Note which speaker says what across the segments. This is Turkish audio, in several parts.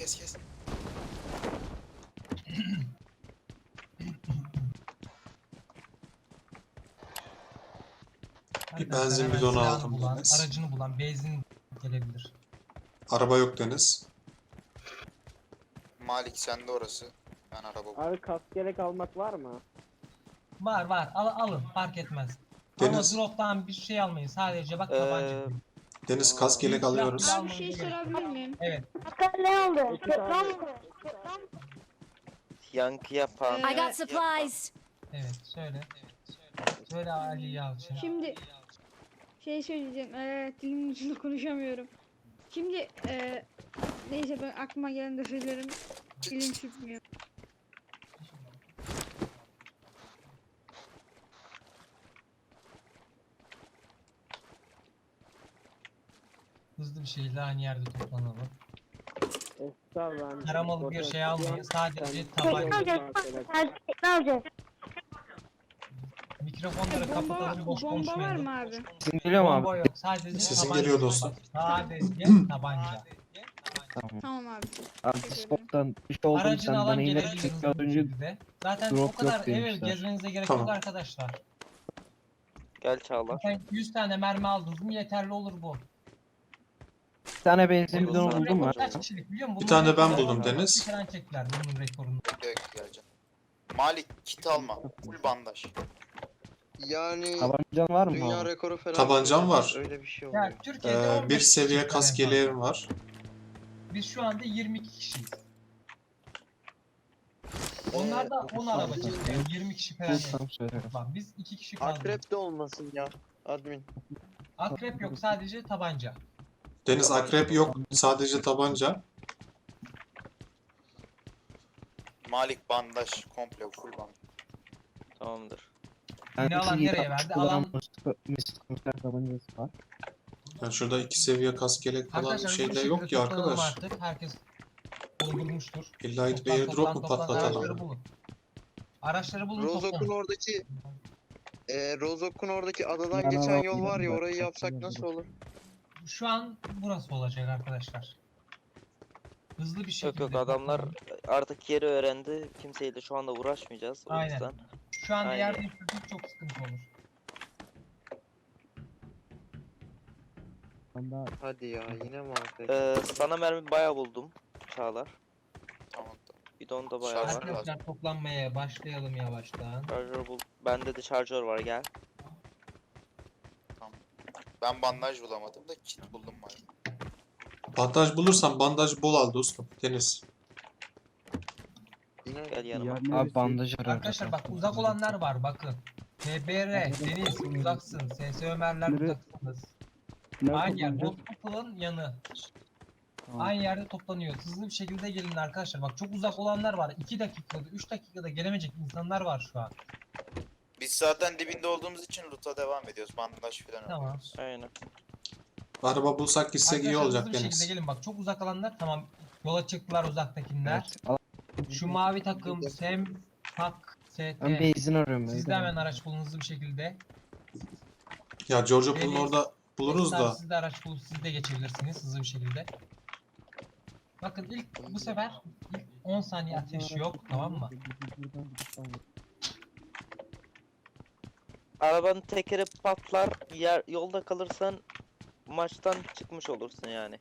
Speaker 1: kes.
Speaker 2: Bir
Speaker 3: Arkadaşlar,
Speaker 2: benzin
Speaker 3: hemen
Speaker 2: bidonu
Speaker 3: silahını
Speaker 2: aldım
Speaker 3: bulan,
Speaker 2: Deniz.
Speaker 3: aracını bulan, benzin gelebilir.
Speaker 2: Araba yok Deniz.
Speaker 1: Malik sende orası. Ben araba
Speaker 4: Abi kask gerek almak var mı?
Speaker 3: Var. Alın, fark etmez.
Speaker 2: Deniz.
Speaker 3: Ama drop'tan bir şey almayın. Sadece bak tabanca.
Speaker 2: Deniz kask yelek
Speaker 3: Silah
Speaker 2: alıyoruz.
Speaker 3: bile
Speaker 5: Abi bir
Speaker 3: almanıza
Speaker 5: şey
Speaker 3: gerek yok.
Speaker 5: sorabilir miyim?
Speaker 3: Evet.
Speaker 6: Ne oldu?
Speaker 7: Yankı yapan.
Speaker 5: Ee,
Speaker 6: I got supplies.
Speaker 3: Evet, söyle. Söyle Ali Yalçın.
Speaker 5: Şimdi şey söyleyeceğim. Dilimin ucunda konuşamıyorum. Şimdi neyse ben aklıma gelen de söylerim. Dilim tutmuyor.
Speaker 3: Hızlı bir şekilde aynı yerde toplanalım.
Speaker 4: Estağfurullah.
Speaker 3: Taramalı bir şey almayın. Sadece
Speaker 6: Ne
Speaker 3: tabanca.
Speaker 6: olacak?
Speaker 3: Mikrofonları
Speaker 5: Bomba,
Speaker 3: kapatalım, boş
Speaker 5: bomba var
Speaker 3: konuşmayalım.
Speaker 5: mı abi?
Speaker 8: Sesim geliyor mu
Speaker 3: Bomba
Speaker 8: abi?
Speaker 3: yok. Sadece
Speaker 2: Sesin
Speaker 3: tabanca.
Speaker 2: geliyor dostum.
Speaker 3: Sadece tabanca.
Speaker 8: Tamam.
Speaker 5: Tamam abi.
Speaker 8: Abi Discord'dan bir şey oldu mu
Speaker 3: Aracını
Speaker 8: sen
Speaker 3: alan
Speaker 8: bana yine
Speaker 3: gelebilirsiniz
Speaker 8: çünkü az
Speaker 3: bu
Speaker 8: önce
Speaker 3: şekilde. Zaten
Speaker 8: drop
Speaker 3: o kadar
Speaker 8: yok
Speaker 3: evet
Speaker 8: demişler.
Speaker 3: gezmenize gerek
Speaker 2: Tamam.
Speaker 3: yok arkadaşlar.
Speaker 7: Gel Çağlar.
Speaker 3: Zaten 100 tane mermi aldınız mı yeterli olur bu.
Speaker 8: bir tane benzin
Speaker 7: Olur.
Speaker 8: bidonu
Speaker 3: Bunun
Speaker 8: buldum
Speaker 3: rekoru
Speaker 8: mu?
Speaker 3: kaç kişilik biliyor musun?
Speaker 2: Bir tane ben
Speaker 3: rekoru
Speaker 2: buldum Deniz.
Speaker 3: falan çektiler bunun rekorunu.
Speaker 1: geleceğim. Malik kit alma. Full bandaj.
Speaker 9: Yani
Speaker 8: Tabancan var mı
Speaker 9: dünya
Speaker 8: abi?
Speaker 9: rekoru falan.
Speaker 2: Tabancam var.
Speaker 9: Öyle bir şey oluyor.
Speaker 3: Ya Türkiye'de 15
Speaker 2: Bir seviye
Speaker 3: kişi
Speaker 2: kask
Speaker 3: en fazla.
Speaker 2: yeleğim var.
Speaker 3: Biz şu anda 22 kişiyiz. Onlar da 10 araba çekiyor. 20 kişi falan.
Speaker 8: Bulursam söylerim.
Speaker 3: Bak biz 2 kişi kaldık.
Speaker 9: Akrep de olmasın ya admin.
Speaker 3: Akrep yok, sadece tabanca.
Speaker 2: Deniz akrep yok. Sadece tabanca.
Speaker 1: Malik bandaj komple full bandaj.
Speaker 7: Tamamdır.
Speaker 3: Yine alan nereye verdi? Alan
Speaker 8: Mesut Komiser tabancası var.
Speaker 2: Yani şurada 2 seviye kask yelek falan
Speaker 3: arkadaşlar
Speaker 2: şey
Speaker 3: bu
Speaker 2: de
Speaker 3: şekilde
Speaker 2: yok ki
Speaker 3: toplanalım
Speaker 2: arkadaş.
Speaker 3: artık. Herkes doldurmuştur.
Speaker 2: İlla gidip airdrop mu
Speaker 3: Araçları
Speaker 2: patlatalım?
Speaker 3: bulun. Araçları bulun
Speaker 9: Rozok'un
Speaker 3: toplanın.
Speaker 9: oradaki Rozok'un oradaki adadan
Speaker 8: Ben
Speaker 9: geçen
Speaker 8: araba
Speaker 9: yol var ya
Speaker 8: buldum,
Speaker 9: orayı
Speaker 8: ben
Speaker 9: yapsak
Speaker 8: buldum.
Speaker 9: nasıl olur?
Speaker 3: Şu an burası olacak arkadaşlar. Hızlı bir
Speaker 7: Yok
Speaker 3: şekilde.
Speaker 7: yok adamlar
Speaker 3: toplanın.
Speaker 7: artık yeri öğrendi. Kimseyle şu anda uğraşmayacağız. O
Speaker 3: Aynen.
Speaker 7: yüzden.
Speaker 3: Şu anda
Speaker 7: Aynen.
Speaker 3: yer değiştirdik çok sıkıntı olur.
Speaker 8: Banda
Speaker 9: Hadi ya yine mi arkadaş?
Speaker 7: Sana mermi bayağı buldum. Çağlar.
Speaker 1: Tamam.
Speaker 7: Bidon da bayağı
Speaker 1: Şarj
Speaker 7: var.
Speaker 1: lazım.
Speaker 3: Arkadaşlar toplanmaya başlayalım yavaştan.
Speaker 7: Şarjör bul. Bende de şarjör var gel.
Speaker 1: Ben bandaj bulamadım da kit buldum Malik.
Speaker 2: Bandaj bulursan bandaj bol al dostum. Deniz.
Speaker 9: Yine
Speaker 7: Gel yanıma.
Speaker 8: abi bandaj arıyor.
Speaker 3: Arkadaşlar bak uzak olanlar var bakın. TBR, Deniz uzaksın. SS Ömerler uzaksınız. Aynı yer. Hospital'ın yanı. Aynı yerde toplanıyor. Hızlı bir şekilde gelin arkadaşlar. Bak çok uzak olanlar var. 2 dakikada, 3 dakikada gelemeyecek insanlar var şu an.
Speaker 1: Biz zaten dibinde olduğumuz için loot'a devam ediyoruz. Bandaj falan
Speaker 3: Tamam.
Speaker 1: alıyoruz.
Speaker 7: Aynen.
Speaker 2: Araba bulsak gitsek iyi
Speaker 3: Arkadaşlar
Speaker 2: olacak
Speaker 3: hızlı bir şekilde
Speaker 2: Deniz.
Speaker 3: gelin. Bak çok uzak olanlar tamam. Yola çıktılar uzaktakiler.
Speaker 8: Evet.
Speaker 3: Şu mavi takım Sem, Pak,
Speaker 8: Ben
Speaker 3: ST.
Speaker 8: benzin arıyorum.
Speaker 3: Siz de hemen araç bulun hızlı bir şekilde.
Speaker 2: Ya George Pool'un
Speaker 3: Deniz,
Speaker 2: orada buluruz
Speaker 3: Esra,
Speaker 2: da.
Speaker 3: siz de araç bulup siz de geçebilirsiniz hızlı bir şekilde. Bakın ilk bu sefer ilk 10 saniye ateş yok tamam mı?
Speaker 7: Arabanın tekeri patlar. Yolda kalırsan maçtan çıkmış olursun yani.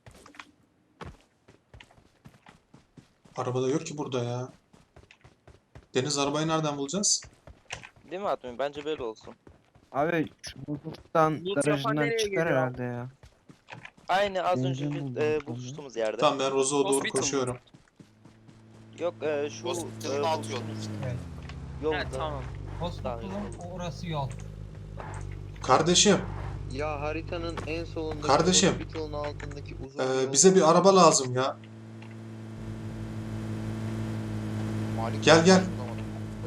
Speaker 2: Arabada yok ki burada ya. Deniz arabayı nereden bulacağız?
Speaker 7: Değil mi admin? Bence böyle olsun.
Speaker 8: Abi şu buzluktan garajından çıkar herhalde ya.
Speaker 7: Aynı az
Speaker 8: Benzin
Speaker 7: önce
Speaker 8: buldum.
Speaker 7: buluştuğumuz yerde.
Speaker 2: Tamam ben Rozo'ya doğru
Speaker 7: Hospital.
Speaker 2: koşuyorum.
Speaker 7: Yok şu
Speaker 1: Hospital'ın alt yolu.
Speaker 3: Evet.
Speaker 7: yolda.
Speaker 9: tamam.
Speaker 3: Hospital'ın orası yol.
Speaker 2: Kardeşim
Speaker 9: Ya haritanın en solundaki
Speaker 2: Kardeşim,
Speaker 9: hospital'ın altındaki uzun yol.
Speaker 2: bize bir araba lazım ya.
Speaker 1: Malik
Speaker 2: Gel, gel.
Speaker 1: bulamadım.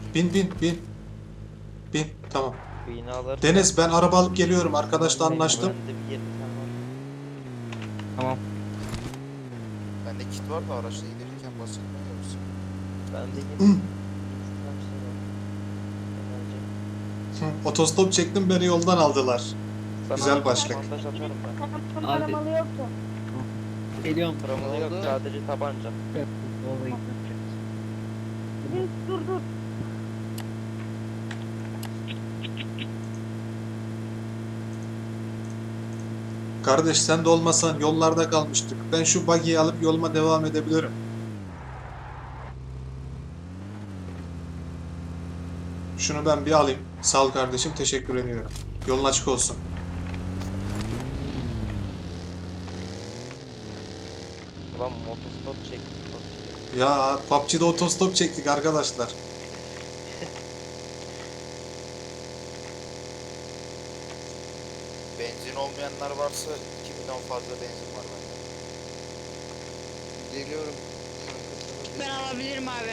Speaker 2: Bin. Tamam.
Speaker 7: Binaları.
Speaker 2: Deniz ben araba alıp geliyorum. Arkadaşla anlaştım.
Speaker 7: Bende bir 20 tane var.
Speaker 8: Tamam.
Speaker 1: Bende kit var da araçla gelirken bahsetmiyoruz.
Speaker 7: Bende 20
Speaker 2: Hı.
Speaker 7: tane şey var. Enerji.
Speaker 2: Otostop çektim beni yoldan aldılar.
Speaker 7: Sana
Speaker 2: Güzel başlık.
Speaker 7: montaj atarım ben.
Speaker 6: Aramalı yoktu.
Speaker 8: Geliyorum.
Speaker 7: Promoda yok,
Speaker 9: oldu?
Speaker 7: sadece tabanca.
Speaker 8: Vallahi gitmeyeceğiz.
Speaker 6: Dur dur.
Speaker 2: Kardeş sen de olmasan yollarda kalmıştık. Ben şu buggy'yi alıp yoluma devam edebilirim. Şunu ben bir alayım. Sağ ol kardeşim, teşekkür ediyorum. Yolun açık olsun.
Speaker 7: Ulan motostop çek.
Speaker 2: Ya PUBG'de otostop çektik arkadaşlar.
Speaker 1: Benzin olmayanlar varsa 2000'den fazla benzin var bende.
Speaker 9: Geliyorum.
Speaker 5: Ben alabilirim abi.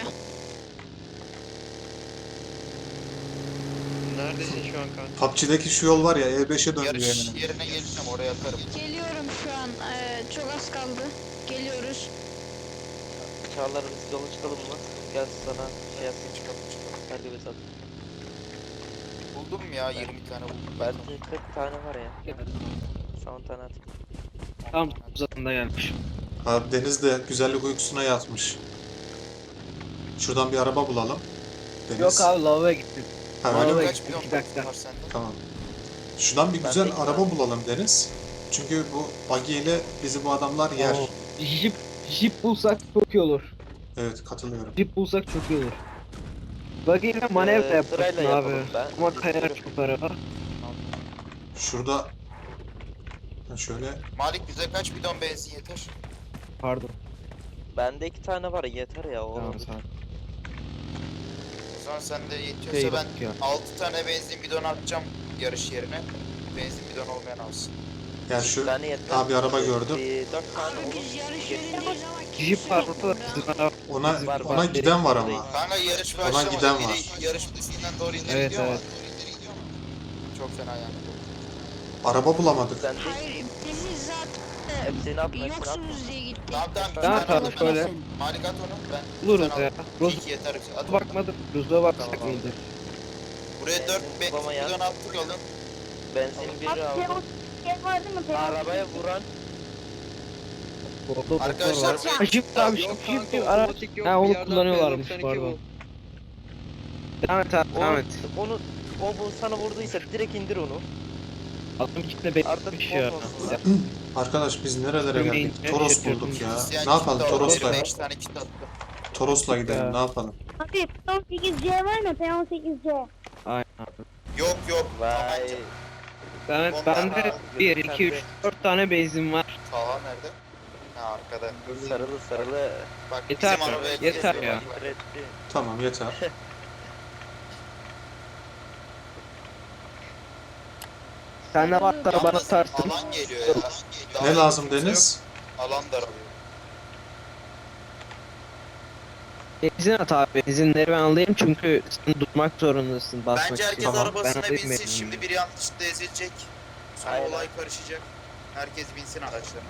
Speaker 9: Neredesin şu an kanka?
Speaker 2: PUBG'deki şu yol var ya, E5'e dönüyor
Speaker 1: Yarış
Speaker 2: hemen.
Speaker 1: yerine geleceğim, oraya atarım.
Speaker 5: Geliyorum şu an. Çok az kaldı. Geliyoruz.
Speaker 7: Çağlar biz yola çıkalım mı? Gel sana şey yapayım.
Speaker 1: Çıkalım çıkalım.
Speaker 7: Hadi bir sat.
Speaker 1: Buldum ya 20 tane buldum.
Speaker 7: Belki 40 tane var ya. Sana 10 tane atayım.
Speaker 8: Tam uzatında gelmiş.
Speaker 2: Abi Deniz de güzellik uykusuna yatmış. Şuradan bir araba bulalım. Deniz.
Speaker 8: Yok abi lavaboya gittim.
Speaker 2: Ha, öyle
Speaker 8: vallahi-
Speaker 2: mi?
Speaker 1: Kaç milyon
Speaker 8: 2 dakika.
Speaker 1: var sende?
Speaker 2: Tamam. Şuradan bir
Speaker 7: Ben
Speaker 2: güzel
Speaker 7: de-
Speaker 2: araba bulalım Deniz. Çünkü bu buggy ile bizi bu adamlar yer.
Speaker 8: Oo. Jeep bulsak çok iyi olur.
Speaker 2: Evet, katılıyorum.
Speaker 8: Jeep bulsak çok iyi olur. Buggy ile manevra yaparsın
Speaker 7: sırayla
Speaker 8: abi.
Speaker 7: yapalım ben.
Speaker 8: Ama kayar çok araba.
Speaker 2: Şurada ha, şöyle
Speaker 1: Malik bize kaç bidon benzin yeter?
Speaker 8: Pardon.
Speaker 7: Bende 2 tane var yeter ya. O
Speaker 8: Tamam
Speaker 7: olur.
Speaker 8: sağ ol.
Speaker 1: O zaman sende yetiyorsa
Speaker 8: Şey
Speaker 1: ben
Speaker 8: bak ya.
Speaker 1: 6 tane benzin bidonu atacağım yarış yerine. Benzin bidonu olmayan alsın.
Speaker 2: yani
Speaker 7: Bir
Speaker 2: şu
Speaker 7: tane yeter.
Speaker 2: abi araba gördüm.
Speaker 7: 4 tane olur.
Speaker 5: Biz yarış yerindeyiz ama
Speaker 8: Jeep
Speaker 5: kimse
Speaker 8: var
Speaker 5: yok
Speaker 8: burada.
Speaker 5: burada.
Speaker 2: ona
Speaker 7: Var,
Speaker 2: ona
Speaker 7: var.
Speaker 2: giden var ama.
Speaker 1: Kanka yarış
Speaker 2: Ona
Speaker 1: başlamadı.
Speaker 2: giden
Speaker 1: Biri
Speaker 2: var.
Speaker 1: yarış pistinden doğru ileri
Speaker 8: Evet,
Speaker 1: gidiyor
Speaker 8: evet.
Speaker 1: ama. Çok fena yani.
Speaker 2: Araba bulamadık.
Speaker 7: Sen de
Speaker 5: Hayır, biz zaten
Speaker 7: hepsini atma, hepsini atma.
Speaker 5: yoksunuz diye gittik.
Speaker 1: Tamam tamam.
Speaker 8: Ne
Speaker 1: bir tane
Speaker 8: yapalım
Speaker 1: alalım.
Speaker 8: şöyle?
Speaker 1: Malik at onu. Ben
Speaker 8: Buluruz
Speaker 1: sen
Speaker 8: ya.
Speaker 1: al.
Speaker 8: Roz
Speaker 1: İki yeter. At onu.
Speaker 8: bakmadım. Roz'a baksak
Speaker 1: Tamam.
Speaker 8: iyidir.
Speaker 1: Buraya 4
Speaker 7: Benzin
Speaker 1: benzin
Speaker 7: bulamayan.
Speaker 1: bidon attık alın.
Speaker 7: Benzin biri
Speaker 6: Abi
Speaker 7: aldım.
Speaker 6: şey var değil mi?
Speaker 7: Arabaya vuran
Speaker 8: Boklu
Speaker 1: Arkadaşlar
Speaker 8: var. Ha, Jeep abi
Speaker 9: Yok
Speaker 8: Jeep
Speaker 9: kanka,
Speaker 8: araç.
Speaker 9: otomatik yok.
Speaker 8: Ha,
Speaker 9: Bir
Speaker 8: onu
Speaker 9: yerden
Speaker 8: kullanıyorlarmış,
Speaker 9: P92
Speaker 8: pardon.
Speaker 9: bul.
Speaker 8: Devam et abi devam et.
Speaker 7: onu o bu sana vurduysa direkt indir onu.
Speaker 8: Adam içinde
Speaker 7: Artık
Speaker 8: beklemiş ya.
Speaker 7: olmasın.
Speaker 2: Arkadaş biz nerelere geldik?
Speaker 8: Ömeyince
Speaker 2: Toros
Speaker 8: yapıyordum.
Speaker 2: bulduk ya.
Speaker 1: İsteyen
Speaker 2: Ne yapalım
Speaker 1: kit de alır.
Speaker 2: Toros'la?
Speaker 1: 5 tane kit attım.
Speaker 2: Toros'la gidelim.
Speaker 8: Ya.
Speaker 2: Ne yapalım?
Speaker 6: Abi P18C var mı? P18C.
Speaker 8: Aynen abi.
Speaker 1: Yok yok.
Speaker 7: Vay.
Speaker 8: Ben,
Speaker 1: Onlar-
Speaker 8: bende 1, 2, 3, 4 tane benzin var.
Speaker 1: Taha nerede? Ha arkada.
Speaker 7: Sarılı sarılı.
Speaker 1: Bak
Speaker 8: Yeter
Speaker 1: bizim
Speaker 8: ya,
Speaker 1: arabaya
Speaker 8: yeter
Speaker 1: geziyor.
Speaker 8: ya.
Speaker 1: Bak,
Speaker 7: Ücretli.
Speaker 2: Tamam yeter.
Speaker 8: Sen de varsa bana
Speaker 1: Yalnız
Speaker 8: atarsın.
Speaker 1: alan geliyor ya. Daha
Speaker 2: Ne lazım
Speaker 1: kimse
Speaker 2: Deniz?
Speaker 1: yok. Alan daralıyor.
Speaker 8: Benzin at abi. Benzinleri ben alayım çünkü sen durmak zorundasın basmak
Speaker 1: Bence herkes
Speaker 8: için. Ben
Speaker 1: arabasına
Speaker 8: alayım
Speaker 1: binsin.
Speaker 8: benzinini.
Speaker 1: Şimdi biri yanlışlıkla ezilecek. Sonra
Speaker 7: Aynen.
Speaker 1: olay karışacak. Herkes binsin araçlarına.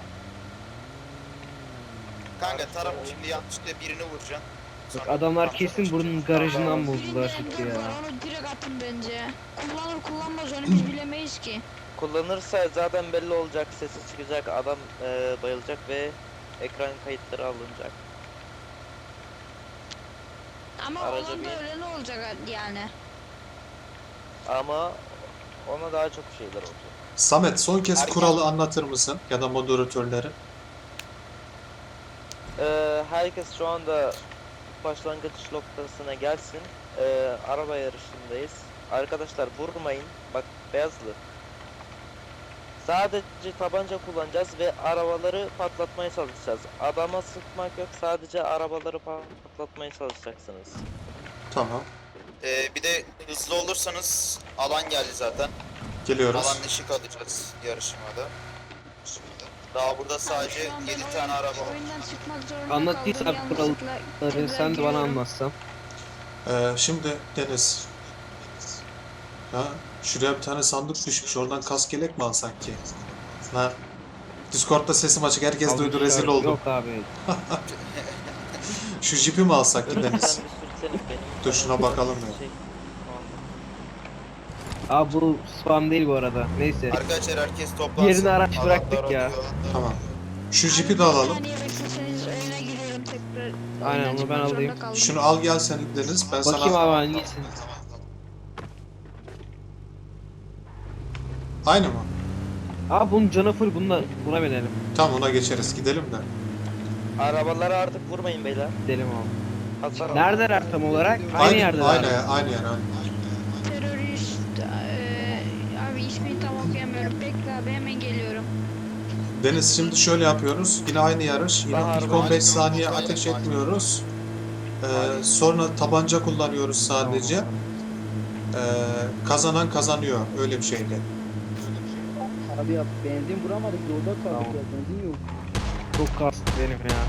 Speaker 1: Kanka taraf şimdi yanlışlıkla birini vuracaksın.
Speaker 8: Bak,
Speaker 1: Sonra
Speaker 8: adamlar
Speaker 1: kontrol
Speaker 8: kesin
Speaker 1: edeceksin.
Speaker 8: bunun garajından buldular
Speaker 5: Birinden
Speaker 8: çünkü
Speaker 5: dur
Speaker 8: ya.
Speaker 5: var, onu direkt atın bence. Kullanır kullanmaz onu biz bilemeyiz ki.
Speaker 7: Kullanırsa zaten belli olacak, sesi çıkacak, adam bayılacak ve ekran kayıtları alınacak.
Speaker 5: Ama
Speaker 7: Araca
Speaker 5: olan da
Speaker 7: bir-
Speaker 5: öyle ne olacak yani.
Speaker 7: Ama ona daha çok şeyler olacak.
Speaker 2: Samet son kez
Speaker 1: Herkes-
Speaker 2: kuralı anlatır mısın? Ya da moderatörleri.
Speaker 7: Herkes şu anda başlangıç noktasına gelsin. Araba yarışındayız. Arkadaşlar vurmayın. Bak beyazlı. Sadece tabanca kullanacağız ve arabaları patlatmaya çalışacağız. Adama sıkmak yok. Sadece arabaları patlatmaya çalışacaksınız.
Speaker 2: Tamam.
Speaker 1: Bir de hızlı olursanız alan geldi zaten.
Speaker 2: Geliyoruz.
Speaker 1: Alan ışık alacağız yarışmada. Daha burada sadece
Speaker 5: Şu an ben
Speaker 1: 7 tane araba var.
Speaker 5: oyundan çıkmak zorunda
Speaker 8: Anlattıysan
Speaker 5: kaldım,
Speaker 8: kuralları
Speaker 5: yanlışlıkla
Speaker 8: sen de bana
Speaker 5: giriyorum.
Speaker 8: anlatsan.
Speaker 2: Şimdi Deniz. Ha, şuraya bir tane sandık düşmüş. Oradan kask yelek mi alsak ki? Ha. Discord'da sesim açık. Herkes duydu. Rezil
Speaker 8: Almışlar.
Speaker 2: oldum.
Speaker 8: Yok abi.
Speaker 2: Şu jipi mi alsak ki
Speaker 7: Sen bir
Speaker 2: Deniz?
Speaker 7: sürselim benim.
Speaker 2: Dur şuna bakalım ya.
Speaker 7: Şey,
Speaker 8: Abi bu spam değil bu arada. Neyse.
Speaker 1: Arkadaşlar herkes toplansın.
Speaker 8: Yerine araç
Speaker 1: Alanlar
Speaker 8: bıraktık ya.
Speaker 1: oluyor.
Speaker 2: Tamam. Şu jipi de alalım.
Speaker 5: Saniye bekleseniz oyuna giriyorum tekrar.
Speaker 8: Aynen,
Speaker 5: Oyundan
Speaker 8: onu ben
Speaker 5: çıkmak zorunda
Speaker 8: alayım.
Speaker 5: kaldım.
Speaker 2: Şunu al gel sen Deniz. Ben
Speaker 8: Bakayım
Speaker 2: sana...
Speaker 8: abi hangisi?
Speaker 2: Aynı mı?
Speaker 8: Abi bunun canı full, buna binelim.
Speaker 2: Tamam ona geçeriz. Gidelim de.
Speaker 7: Arabaları artık vurmayın beyler.
Speaker 8: Gidelim abi.
Speaker 7: Hasar alın.
Speaker 8: Neredeler tam olarak? Aynı yerde.
Speaker 2: Aynı yer, aynı yer.
Speaker 5: Terörist. Abi ismini tam okuyamıyorum. Bekle abi hemen geliyorum.
Speaker 2: Deniz şimdi şöyle yapıyoruz. Yine aynı yarış. Yine
Speaker 7: Bahar,
Speaker 2: ilk
Speaker 7: bahar.
Speaker 2: 15 saniye ateş etmiyoruz. Sonra tabanca kullanıyoruz sadece. Kazanan kazanıyor. Öyle bir şeydi.
Speaker 4: Abi ya benzin vuramadık yolda
Speaker 8: Tamam.
Speaker 4: kaldık ya benzin yok.
Speaker 8: Çok kastı benim ya.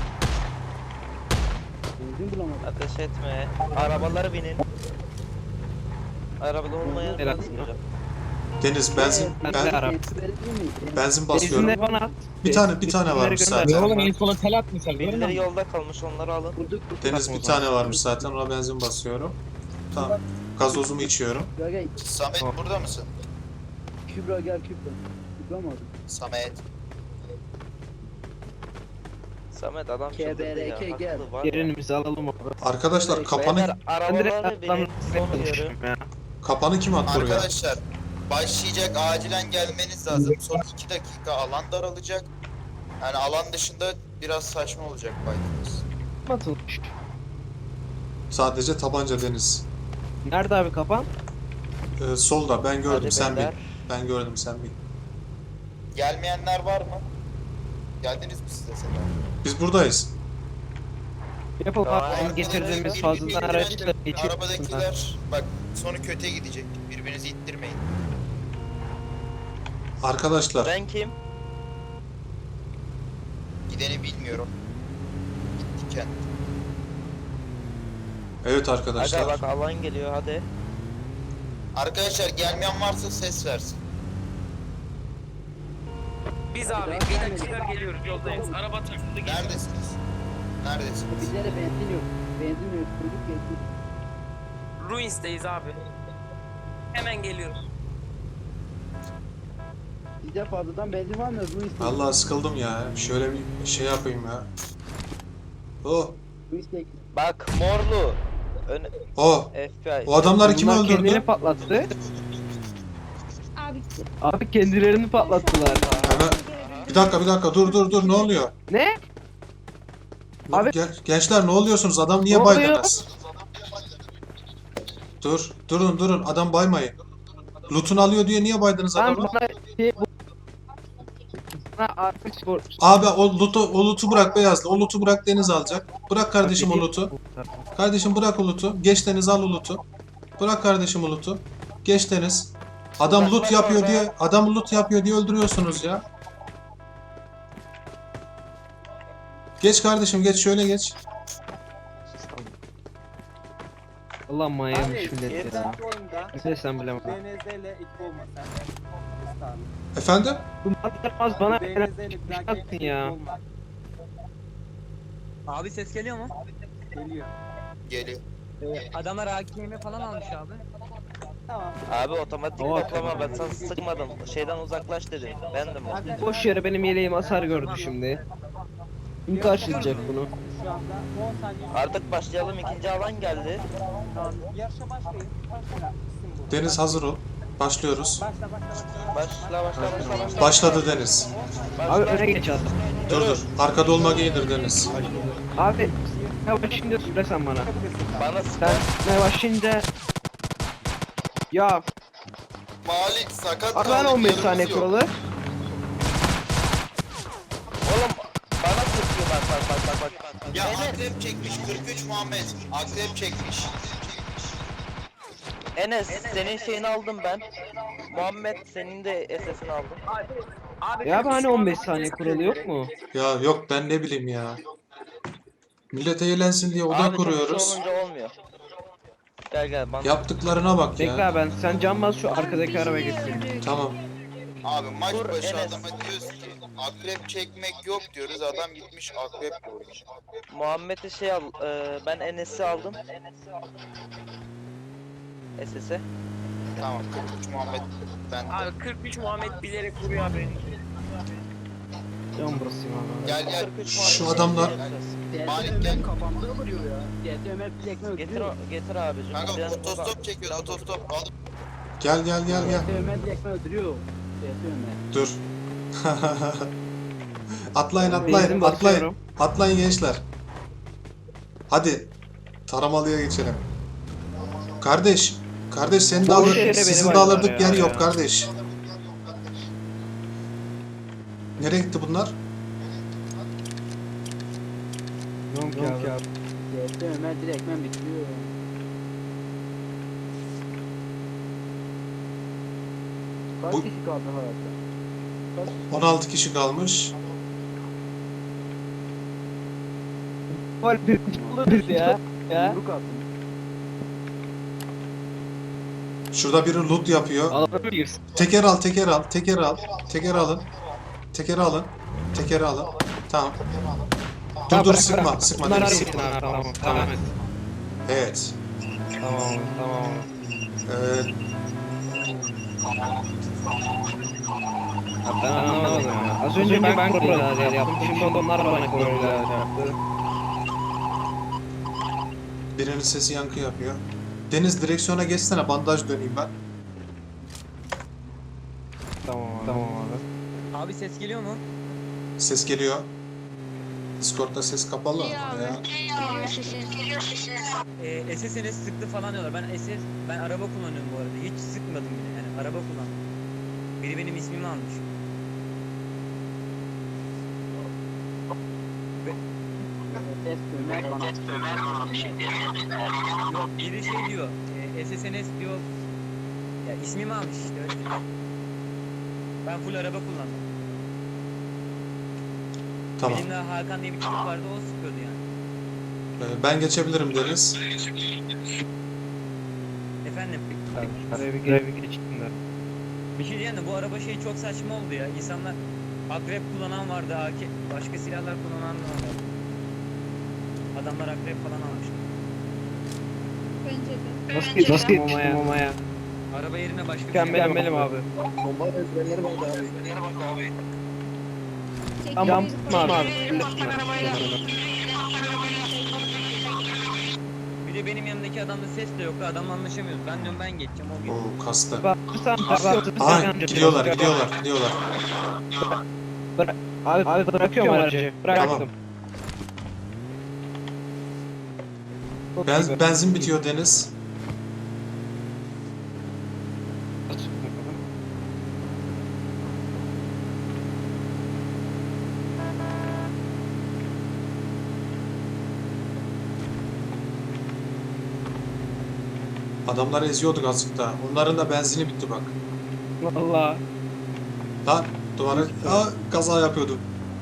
Speaker 4: Benzin bulamadık.
Speaker 7: Ateş etme. Arabaları binin. Arabada olmayan
Speaker 8: Helal.
Speaker 7: ben süreceğim.
Speaker 2: Deniz benzin
Speaker 8: Ben de araba.
Speaker 2: benzin basıyorum.
Speaker 8: Benzinleri bana at.
Speaker 2: Bir tane
Speaker 8: Benzinleri
Speaker 2: varmış
Speaker 8: gönder.
Speaker 2: zaten.
Speaker 3: Oğlum en sola tel atmışlar.
Speaker 7: Birileri yolda kalmış, onları alın.
Speaker 2: Deniz bir tane varmış zaten. Ona benzin basıyorum. Tamam. Gazozumu içiyorum.
Speaker 4: Gel
Speaker 1: Samet
Speaker 8: Tamam.
Speaker 1: burada mısın?
Speaker 4: Kübra gel Kübra. Kübra mı?
Speaker 1: Samet.
Speaker 7: Samet adam çıldırdı ya.
Speaker 4: KBRK gel.
Speaker 7: Haklı var ya.
Speaker 8: Yerimizi alalım abi.
Speaker 2: Arkadaşlar kapanı
Speaker 7: Beyler
Speaker 8: Ben direkt
Speaker 7: arabaları binin. Son uyarı.
Speaker 8: atlamışım ya.
Speaker 2: kapanı kim attı oraya?
Speaker 1: Arkadaşlar başlayacak, acilen gelmeniz lazım. Son 2 dakika alan daralacak. Yani alan dışında biraz saçma olacak fight'ımız.
Speaker 8: Atılmış.
Speaker 2: Sadece tabanca Deniz.
Speaker 8: Nerede abi kapan?
Speaker 2: Solda ben gördüm
Speaker 7: Hadi
Speaker 2: sen bil.
Speaker 7: beyler.
Speaker 2: Ben gördüm sen bil.
Speaker 1: Gelmeyenler var mı? Geldiniz mi siz de Sedat?
Speaker 2: Biz buradayız.
Speaker 8: Yapalım
Speaker 7: Tamam.
Speaker 8: abi. Bizim getirdiğimiz fazladan araçla geçiyor.
Speaker 1: Arabadakiler bak sonu kötüye gidecek. Birbirinizi ittirmeyin.
Speaker 2: Arkadaşlar
Speaker 7: Ben kim?
Speaker 1: Gideni bilmiyorum. Diken.
Speaker 2: evet
Speaker 7: Aga
Speaker 2: arkadaşlar.
Speaker 7: bak alan geliyor hadi.
Speaker 1: Arkadaşlar gelmeyen varsa ses versin.
Speaker 10: Biz abi bir dakika geliyoruz, yoldayız. Araba takıldı geliyor.
Speaker 1: Neredesiniz? Neredesiniz?
Speaker 4: Bizlere benzin yok. Benzin yok. Çocuk geçti.
Speaker 10: Ruins'teyiz abi. Hemen geliyoruz.
Speaker 4: Bizde fazladan benzin var mı? Ruiz
Speaker 2: Vallahi sıkıldım ya. Şöyle bir şey yapayım ya. Oh,
Speaker 7: Bak morlu. Ön
Speaker 2: oh.
Speaker 7: FBI.
Speaker 2: O adamları kim
Speaker 8: Bunlar kendini
Speaker 2: öldürdü?
Speaker 8: patlattı.
Speaker 5: Abi
Speaker 8: Abi kendilerini patlattılar.
Speaker 2: Hemen bir dakika dur ne oluyor?
Speaker 8: Ne?
Speaker 2: Dur,
Speaker 8: Abi-
Speaker 2: gençler ne oluyorsunuz? Adam niye
Speaker 8: Ne oluyor?
Speaker 2: baydınız? Durun adam baymayın. Loot'unu alıyor diye niye baydınız
Speaker 8: Ben
Speaker 2: adamı?
Speaker 8: bana şey bu... Bana artık spor...
Speaker 2: Abi o loot'u bırak Beyazlı. O loot'u bırak Deniz alacak. Bırak kardeşim o loot'u. Kardeşim bırak o loot'u. Geç Deniz al o loot'u. Bırak kardeşim o loot'u. Geç Deniz. Adam loot yapıyor diye öldürüyorsunuz ya. Geç kardeşim geç şöyle geç.
Speaker 8: Allah manyamış millet ya.
Speaker 4: oyunda
Speaker 8: Ne sen bilemem.
Speaker 4: DNZ ile ekip olmasa.
Speaker 2: Efendim?
Speaker 8: Bu mantıklamaz bana yaptın ya.
Speaker 10: Abi ses geliyor mu?
Speaker 4: Geliyor.
Speaker 1: Geliyor.
Speaker 10: Adamlar AKM falan almış abi.
Speaker 4: Tamam.
Speaker 7: Abi otomatik
Speaker 8: Hava
Speaker 7: toplama, ben sana sıkmadım. Şeyden uzaklaş dedim. Bendim o.
Speaker 8: Boş yere benim yeleğim hasar gördü şimdi. Kim karşılayacak bunu?
Speaker 4: Şu anda 10 saniye.
Speaker 7: Artık başlayalım, ikinci alan geldi.
Speaker 4: Tamam. Yarışa başlayın. Başla. Bitsin bu.
Speaker 2: Deniz hazır ol. Başlıyoruz.
Speaker 7: Başla.
Speaker 2: Başladı Deniz.
Speaker 8: Abi öne geç adam.
Speaker 2: Dur. Arkada olmak iyidir Deniz.
Speaker 8: Abi ne başlayınca söylesen bana.
Speaker 7: Bana
Speaker 8: Sen ne başlayınca... Ya
Speaker 1: Malik sakat
Speaker 8: abi ben 15 saniye
Speaker 1: yanımız yok.
Speaker 8: kuralı.
Speaker 7: Oğlum bana sıkıyor bak.
Speaker 1: Ya akrep çekmiş 43 Muhammed. Akrep çekmiş.
Speaker 7: Enes senin şeyini aldım ben. Muhammed senin de SS'ini aldım.
Speaker 8: Ya abi hani 15 saniye kuralı yok mu?
Speaker 2: Ya yok ben ne bileyim ya. Millet eğlensin diye oda
Speaker 7: Abi, çok
Speaker 2: kuruyoruz.
Speaker 7: kişi olunca olmuyor. Gel bana.
Speaker 2: Yaptıklarına bak
Speaker 8: Bekle
Speaker 2: ya.
Speaker 8: abi ben. Sen can bas şu arkadaki arabaya getireyim.
Speaker 2: Tamam.
Speaker 1: Abi maç
Speaker 7: Dur,
Speaker 1: başı
Speaker 7: Enes.
Speaker 1: adama diyoruz ki akrep çekmek yok diyoruz. Adam gitmiş akrep koymuş.
Speaker 7: Muhammed'i şey al. Ben Enes'i aldım. SS'e.
Speaker 1: Tamam 43 Muhammed ben.
Speaker 10: Abi 43 Muhammed bilerek vuruyor abi.
Speaker 8: Can basayım abi.
Speaker 1: Gel gel.
Speaker 7: 43
Speaker 2: Şu
Speaker 7: Malik
Speaker 2: adamlar-
Speaker 7: gel.
Speaker 1: Malik gel.
Speaker 4: Kafamda vuruyor ya. DT Ömer bizi ekmek
Speaker 7: Getir,
Speaker 4: öldürüyor.
Speaker 7: getir abicim.
Speaker 1: Kanka
Speaker 7: Ben
Speaker 1: otostop çekiyor otostop. Al.
Speaker 2: Gel gel gel gel.
Speaker 4: DT Ömer bizi ekmek öldürüyor. DT Ömer.
Speaker 2: Dur. Atlayın
Speaker 8: Benzin
Speaker 2: atlayın atlayın.
Speaker 8: basıyorum.
Speaker 2: Atlayın gençler. Hadi. Taramalıya geçelim. Kardeş. Kardeş seni de
Speaker 8: Boş
Speaker 2: alır.
Speaker 8: yere
Speaker 2: Sizin
Speaker 8: beni
Speaker 2: de alırdık
Speaker 8: bayıldılar
Speaker 2: yer
Speaker 8: ya.
Speaker 2: yok kardeş. Nereye gitti bunlar?
Speaker 8: Yok ya.
Speaker 4: DT Ömer direkt ekmek bitiriyor. Kaç
Speaker 2: Bu-
Speaker 4: kişi kaldı hayatta? Kaç kişi?
Speaker 2: 16 kişi kalmış.
Speaker 8: Gol bir alırız ya. Ya.
Speaker 4: Yumruk attım.
Speaker 2: Şurada biri loot yapıyor.
Speaker 8: Alabiliriz.
Speaker 2: Teker al, teker al, teker al. Teker alın. Tekeri alın. Tekeri alın. Tamam. Dur dur sıkma, sıkma.
Speaker 8: Bunlar
Speaker 2: Deniz,
Speaker 8: hareket
Speaker 2: sıkma.
Speaker 8: abi, tamam.
Speaker 2: Tamam.
Speaker 8: Tamam.
Speaker 2: Evet.
Speaker 8: Tamam. Ya ben anlamadım ya. Az önce ben koordinatör yaptım. Şimdi onlar bana koordinatör yaptı.
Speaker 2: Birinin sesi yankı yapıyor. Deniz direksiyona geçsene, bandaj döneyim ben.
Speaker 8: Tamam abi.
Speaker 10: Abi ses geliyor mu?
Speaker 2: Ses geliyor. Discord'da ses kapalı ya.
Speaker 10: SS'iniz sıktı falan diyorlar. Ben araba kullanıyorum bu arada. Hiç sıkmadım bile. Yani araba kullandım. Biri benim ismimi almış.
Speaker 4: DT Ömer bana.
Speaker 10: Yok biri şey diyor. SSNS diyor. Ya ismimi almış işte öyle diyor. Ben full araba kullandım.
Speaker 2: Tamam.
Speaker 10: Benimle Hakan diye bir çocuk vardı o sıkıyordu yani.
Speaker 2: Ben geçebilirim Deniz.
Speaker 10: Efendim
Speaker 8: Şuraya bir geçtim.
Speaker 10: bir şey diyeyim de bu araba şey çok saçma oldu ya. İnsanlar akrep kullanan vardı, AK, başka silahlar kullanan da vardı. Adamlar akrep falan almıştı.
Speaker 5: Bence de.
Speaker 8: Nasıl yetiştim mamaya?
Speaker 10: Araba yerine başka bir şey
Speaker 8: Mükemmelim abi.
Speaker 9: Bomba ezberleri vardı abi.
Speaker 8: Tamam
Speaker 5: Tekrar-
Speaker 8: abi.
Speaker 10: Bir de benim yanımdaki adamda ses de yoktu. Adamla anlaşamıyoruz. Ben diyorum ben geçeceğim o geçiyor.
Speaker 2: Oo kastı.
Speaker 8: Bakırsan
Speaker 2: Aa gidiyorlar, gidiyorlar, gidiyorlar.
Speaker 8: Abi bırakıyorum aracı. Bıraktım.
Speaker 2: Tamam. Benzin bitiyor Deniz. Adamları eziyorduk azıcık daha. Onların da benzini bitti bak.
Speaker 8: Valla.
Speaker 2: Lan duvara kaza yapıyordum.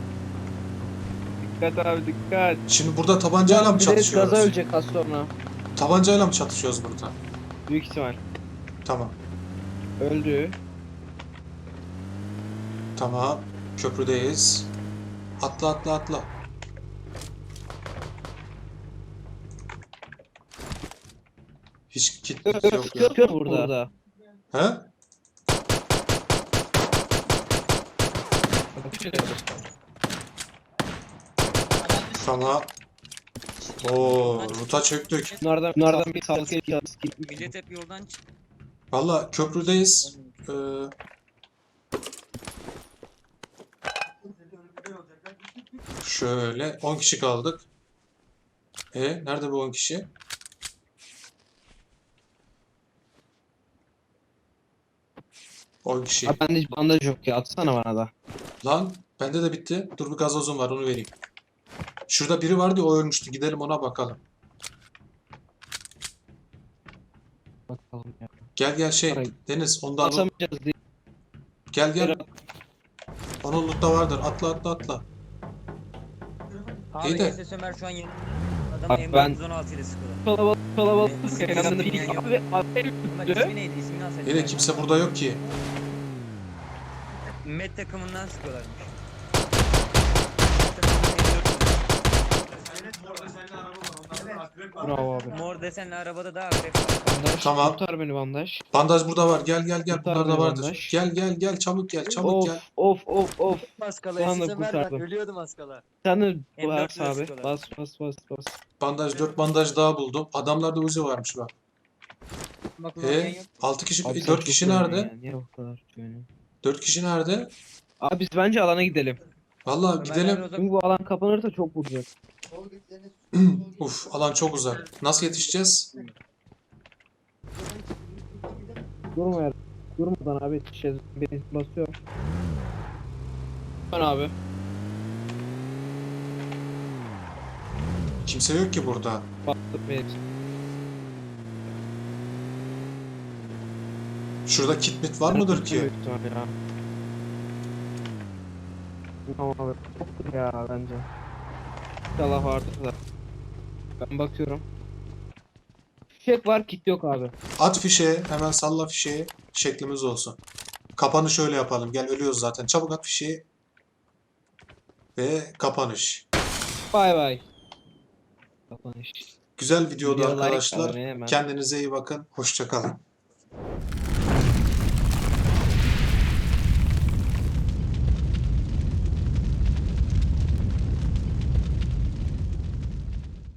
Speaker 8: Dikkat abi dikkat.
Speaker 2: Şimdi burada tabancayla mı
Speaker 8: Bir de gaza
Speaker 2: çatışıyoruz?
Speaker 8: ölecek az sonra.
Speaker 2: Tabancayla mı çatışıyoruz burada?
Speaker 8: Büyük ihtimal.
Speaker 2: Tamam.
Speaker 8: Öldü.
Speaker 2: Tamam. Köprüdeyiz. Atla atla atla. Hiç kit yok ya.
Speaker 8: Sıkıyor burada.
Speaker 2: He? Tamam. Oo, ruta çöktük.
Speaker 8: Bunlardan bir kalkıyor.
Speaker 10: Millet hep yoldan çıktı.
Speaker 2: Valla köprüdeyiz. Şöyle 10 kişi kaldık. Nerede bu 10 kişi? On kişi.
Speaker 8: Abi bende bandaj yok ya. Atsana bana da.
Speaker 2: Lan bende de bitti. Dur bir gazozum var onu vereyim. Şurada biri vardı ya, o ölmüştü. Gidelim ona bakalım.
Speaker 8: Bakalım ya.
Speaker 2: Gel gel şey
Speaker 8: Parayı-
Speaker 2: Deniz ondan
Speaker 8: Atamayacağız diye.
Speaker 2: gel gel. Onun lootta vardır. Atla atla atla. İyi
Speaker 10: Abi
Speaker 2: de-
Speaker 10: SS Ömer şu an yeni
Speaker 8: Abi
Speaker 10: adamı
Speaker 8: ben-
Speaker 10: M416 ile sıkıyorlar.
Speaker 8: Kalabalık.
Speaker 10: İsmi
Speaker 8: Yanında bir
Speaker 10: yok.
Speaker 8: abi
Speaker 10: Ömer ismi neydi? İsmini alsaydı.
Speaker 2: İyi de kimse burada yok ki.
Speaker 10: Met takımından sıkıyorlarmış.
Speaker 8: Bravo abi.
Speaker 10: Mor desenli arabada da akrep var.
Speaker 8: Bandaj.
Speaker 2: Tamam.
Speaker 8: Kurtar beni bandaj.
Speaker 2: Bandaj burada var. Gel gel gel.
Speaker 8: Kurtar
Speaker 2: Bunlar da
Speaker 8: beni
Speaker 2: vardır.
Speaker 8: bandaj.
Speaker 2: Gel çabuk gel çabuk gel.
Speaker 8: Of.
Speaker 10: Maskala
Speaker 8: Şu anda
Speaker 10: yaşasın ver bak
Speaker 8: kurtardım.
Speaker 10: ölüyordum maskala.
Speaker 8: Sen de
Speaker 10: M4
Speaker 8: bas abi.
Speaker 10: sıkıyorlar.
Speaker 8: Bas.
Speaker 2: Bandaj 4 bandaj daha buldum. Adamlarda Uzi varmış bak.
Speaker 10: Bak ulan
Speaker 2: 6 kişi
Speaker 8: Abi sen
Speaker 2: 4
Speaker 8: çok
Speaker 2: kişi
Speaker 8: önemli
Speaker 2: nerede?
Speaker 8: ya, niye bu kadar yani?
Speaker 2: 4 kişi nerede?
Speaker 8: Abi biz bence alana gidelim.
Speaker 2: Vallahi gidelim.
Speaker 8: Çünkü bu alan kapanırsa çok vuracak.
Speaker 2: Uf, alan çok uzak. Nasıl yetişeceğiz?
Speaker 8: Durmadan abi yetişeceğiz. Beni basıyor. Ben abi.
Speaker 2: Kimse yok ki burada.
Speaker 8: Bastık beni.
Speaker 2: Şurada kit mit var mıdır ki?
Speaker 8: Büyük ihtimal ya. Tamam abi. Yoktur ya bence. İnşallah vardır da. Ben bakıyorum. Fişek var, kit yok abi.
Speaker 2: At fişeği, hemen salla fişeği. Şeklimiz olsun. Kapanış şöyle yapalım. Gel ölüyoruz zaten. Çabuk at fişeği. Ve kapanış.
Speaker 8: Bay bay. Kapanış.
Speaker 2: Güzel videodu
Speaker 8: Video like
Speaker 2: arkadaşlar.
Speaker 8: abone hemen.
Speaker 2: Kendinize iyi bakın. Hoşça kalın.